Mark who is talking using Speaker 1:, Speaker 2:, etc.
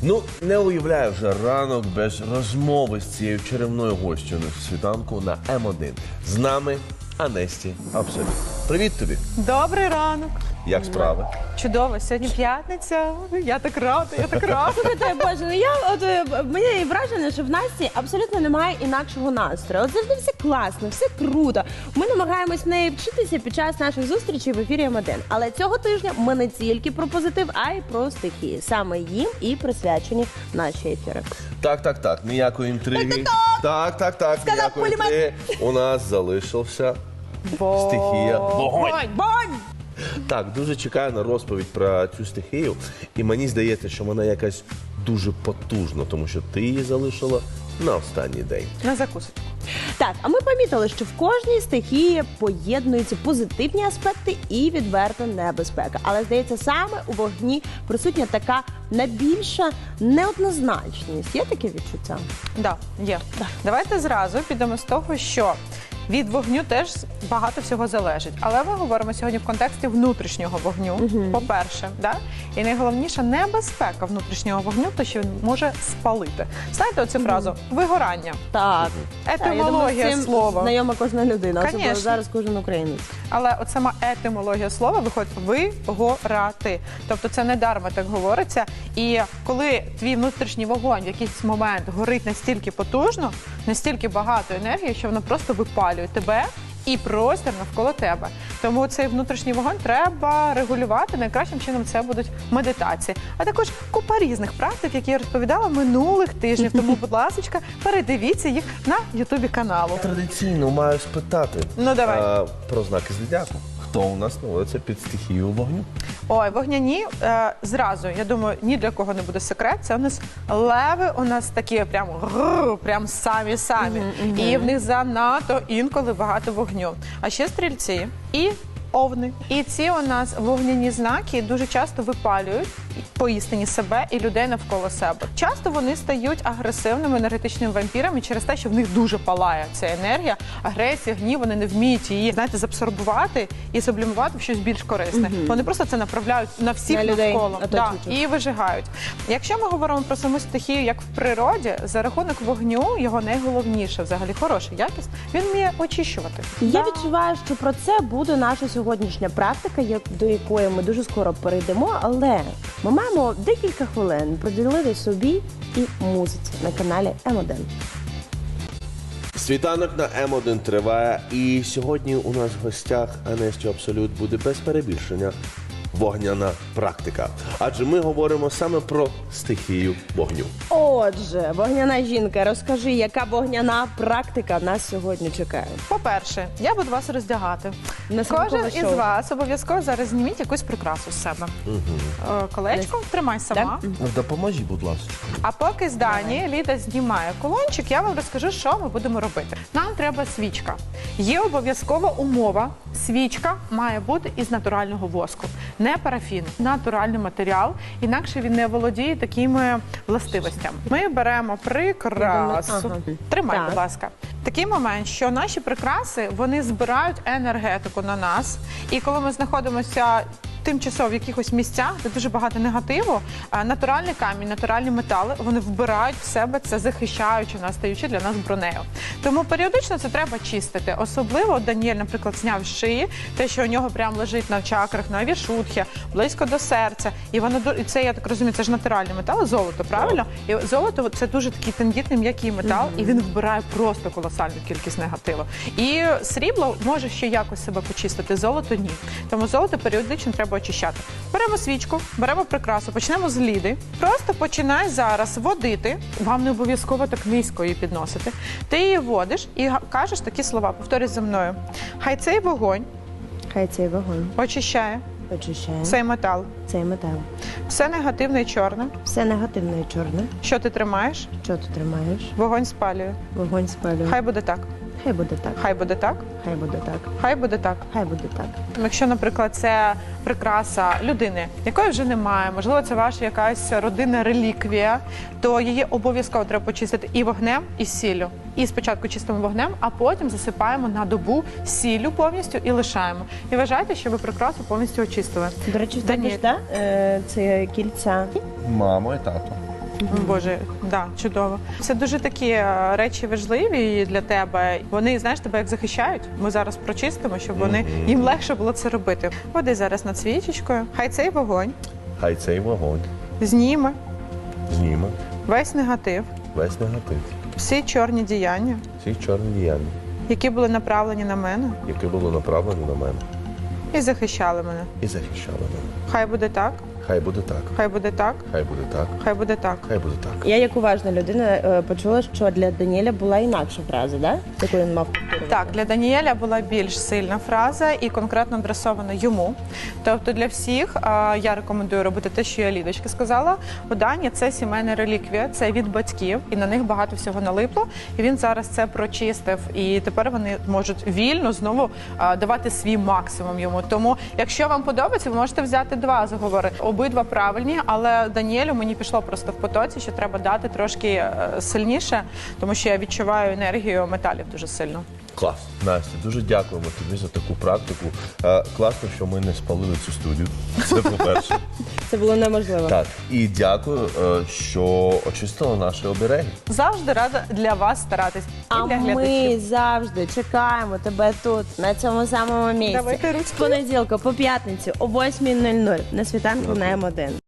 Speaker 1: Ну, не уявляю вже ранок без розмови з цією чарівною гостю на світанку на М1. З нами Анесті Абсолют. Привіт тобі.
Speaker 2: Добрий ранок.
Speaker 1: Як справи?
Speaker 2: Чудово, сьогодні п'ятниця. Я так рада, я так рада.
Speaker 3: Слухайте, Боже, ну я мені враження, що в Насті абсолютно немає інакшого настрою. От завжди все класно, все круто. Ми намагаємось в неї вчитися під час наших зустрічей в ефірі М1. Але цього тижня ми не тільки про позитив, а й про стихії. Саме їм і присвячені наші ефіри.
Speaker 1: Так. Ніякої інтриги. Так. Ніякої інтриги. У нас залишився стихія вогонь.
Speaker 3: Бонь!
Speaker 1: Так, дуже чекаю на розповідь про цю стихію. І мені здається, що вона якась дуже потужна, тому що ти її залишила на останній день.
Speaker 2: На закусочку.
Speaker 3: Так, а ми помітили, що в кожній стихії поєднуються позитивні аспекти і відверта небезпека. Але, здається, саме у вогні присутня така найбільша неоднозначність. Є таке відчуття?
Speaker 2: Да, є. Давайте зразу підемо з того, що від вогню теж багато всього залежить. Але ми говоримо сьогодні в контексті внутрішнього вогню, по-перше. Да? І найголовніша небезпека внутрішнього вогню, то що він може спалити. Знаєте оцю фразу «вигорання»?
Speaker 3: Так.
Speaker 2: Етимологія слова.
Speaker 3: Знайома кожна людина, особливо
Speaker 2: Конечно.
Speaker 3: зараз кожен українець.
Speaker 2: Але от сама етимологія слова виходить «вигорати». Тобто це не дарма так говориться. І коли твій внутрішній вогонь в якийсь момент горить настільки потужно, настільки багато енергії, що воно просто випалює тебе і простір навколо тебе. Тому цей внутрішній вогонь треба регулювати. Найкращим чином це будуть медитації. А також купа різних практик, які я розповідала минулих тижнів. Тому, будь ласка, передивіться їх на ютубі каналу.
Speaker 1: Традиційно маю спитати
Speaker 2: Ну, давай.
Speaker 1: про знаки зодіаку. Хто у нас знаходиться під стихією вогню?
Speaker 2: Ой, вогняні, зразу, я думаю, ні для кого не буде секрет. Це у нас леви, у нас такі прям самі-самі. І в них занадто інколи багато вогню. А ще стрільці і овни. І ці у нас вогняні знаки дуже часто випалюють поістині себе і людей навколо себе. Часто вони стають агресивними енергетичними вампірами через те, що в них дуже палає ця енергія, агресія, гнів, вони не вміють її, знаєте, забсорбувати і сублімувати в щось більш корисне. Вони просто це направляють на всіх
Speaker 3: На людей,
Speaker 2: навколо і вижигають. Якщо ми говоримо про саму стихію, як в природі, за рахунок вогню, його найголовніше, взагалі хороша якість, він вміє очищувати.
Speaker 3: Я відчуваю, що про це буде наша сьогоднішня практика, до якої ми дуже скоро перейдемо, але ми маємо декілька хвилин приділити собі і музиці на каналі М1.
Speaker 1: Світанок на М1 триває, і сьогодні у нас в гостях Анесті Абсолют буде без перебільшення вогняна практика. Адже ми говоримо саме про стихію вогню.
Speaker 3: Отже, вогняна жінка, розкажи, яка вогняна практика нас сьогодні чекає?
Speaker 2: По-перше, я буду вас роздягати.
Speaker 3: На святкове
Speaker 2: Кожен
Speaker 3: шоу.
Speaker 2: із вас обов'язково зараз зніміть якусь прикрасу з себе. Колечко, тримай сама.
Speaker 1: Допоможіть, будь ласка.
Speaker 2: А поки з Дані Ліда знімає колончик, я вам розкажу, що ми будемо робити. Нам треба свічка. Є обов'язкова умова. Свічка має бути із натурального воску. Не парафін, натуральний матеріал, інакше він не володіє такими властивостями. Ми беремо прикрасу.
Speaker 3: Ага.
Speaker 2: Тримай,
Speaker 3: Так.
Speaker 2: будь ласка. Такий момент, що наші прикраси, вони збирають енергетику на нас. І коли ми знаходимося тимчасово в якихось місцях, де дуже багато негативу, натуральний камінь, натуральні метали, вони вбирають в себе це, захищаючи нас, стаючи для нас бронею. Тому періодично це треба чистити. Особливо Даніель, наприклад, зняв з шиї, те, що у нього прямо лежить на чакрах, на вішутхі, близько до серця. І воно, і це, я так розумію, це ж натуральний метал, золото, правильно? І золото – це дуже такий тендітний, м'який метал, і він вбирає просто колосальну кількість негативу. І срібло може ще якось себе почистити, золото – ні. Тому золото періодично треба очищати. Беремо свічку, беремо прикрасу, почнемо з Ліди. Просто починай зараз водити. Вам не обов'язково так низько її підносити. Ти її водиш і кажеш такі слова. Повторюй за мною. Хай цей вогонь
Speaker 3: Хай цей вогонь
Speaker 2: очищає
Speaker 3: очищає
Speaker 2: цей метал.
Speaker 3: цей метал.
Speaker 2: Все негативне і чорне,
Speaker 3: Все негативне і чорне,
Speaker 2: що ти тримаєш,
Speaker 3: що ти тримаєш,
Speaker 2: вогонь спалює.
Speaker 3: вогонь спалює.
Speaker 2: Хай буде так.
Speaker 3: Хай буде так.
Speaker 2: Хай буде так.
Speaker 3: Хай буде так.
Speaker 2: Хай буде так.
Speaker 3: Хай буде так.
Speaker 2: Якщо, наприклад, це прикраса людини, якої вже немає, можливо, це ваша якась родинна реліквія, то її обов'язково треба почистити і вогнем, і сіллю. І спочатку чистимо вогнем, а потім засипаємо на добу сіллю повністю і лишаємо. І вважайте, що ви прикрасу повністю очистили.
Speaker 3: До речі, в
Speaker 2: Даніель.
Speaker 3: тебе ж, це кільця.
Speaker 1: Мамо і тато.
Speaker 2: Боже, да, чудово. Це дуже такі речі важливі для тебе. Вони, знаєш, тебе як захищають. Ми зараз прочистимо, щоб їм легше було це робити. Води зараз над свічечкою. Хай цей вогонь
Speaker 1: Хай цей вогонь
Speaker 2: зніме
Speaker 1: зніме
Speaker 2: весь негатив,
Speaker 1: весь негатив,
Speaker 2: всі чорні діяння,
Speaker 1: всі чорні діяння,
Speaker 2: які були направлені на мене
Speaker 1: які були направлені на мене
Speaker 2: і захищали мене.
Speaker 1: і захищали мене.
Speaker 2: Хай буде так,
Speaker 1: Хай буде так,
Speaker 2: хай буде так,
Speaker 1: хай буде так,
Speaker 2: хай буде так.
Speaker 1: хай буде так.
Speaker 3: Я як уважна людина почула, що для Даніеля була інакша фраза, да? Яку він мав повторювати.
Speaker 2: Так, для Даніеля була більш сильна фраза і конкретно адресована йому. Тобто для всіх я рекомендую робити те, що я Лідочки сказала. У Дані це сімейна реліквія, це від батьків, і на них багато всього налипло. І він зараз це прочистив. І тепер вони можуть вільно знову давати свій максимум йому. Тому, якщо вам подобається, ви можете взяти 2 заговори. Обидва правильні, але Даніелю мені пішло просто в потоці, що треба дати трошки сильніше, тому що я відчуваю енергію металів дуже сильно.
Speaker 1: Клас. Настя, дуже дякуємо тобі за таку практику. Класно, що ми не спалили цю студію. Це по-перше.
Speaker 3: Це було неможливо.
Speaker 1: Так, і дякую, що очистила наші обереги.
Speaker 2: Завжди рада для вас старатись. І
Speaker 3: А
Speaker 2: для
Speaker 3: ми
Speaker 2: глядачів.
Speaker 3: завжди чекаємо тебе тут, на цьому самому місці.
Speaker 2: Давайте ручки.
Speaker 3: З понеділка по п'ятницю о 8:00 на світанку на М1.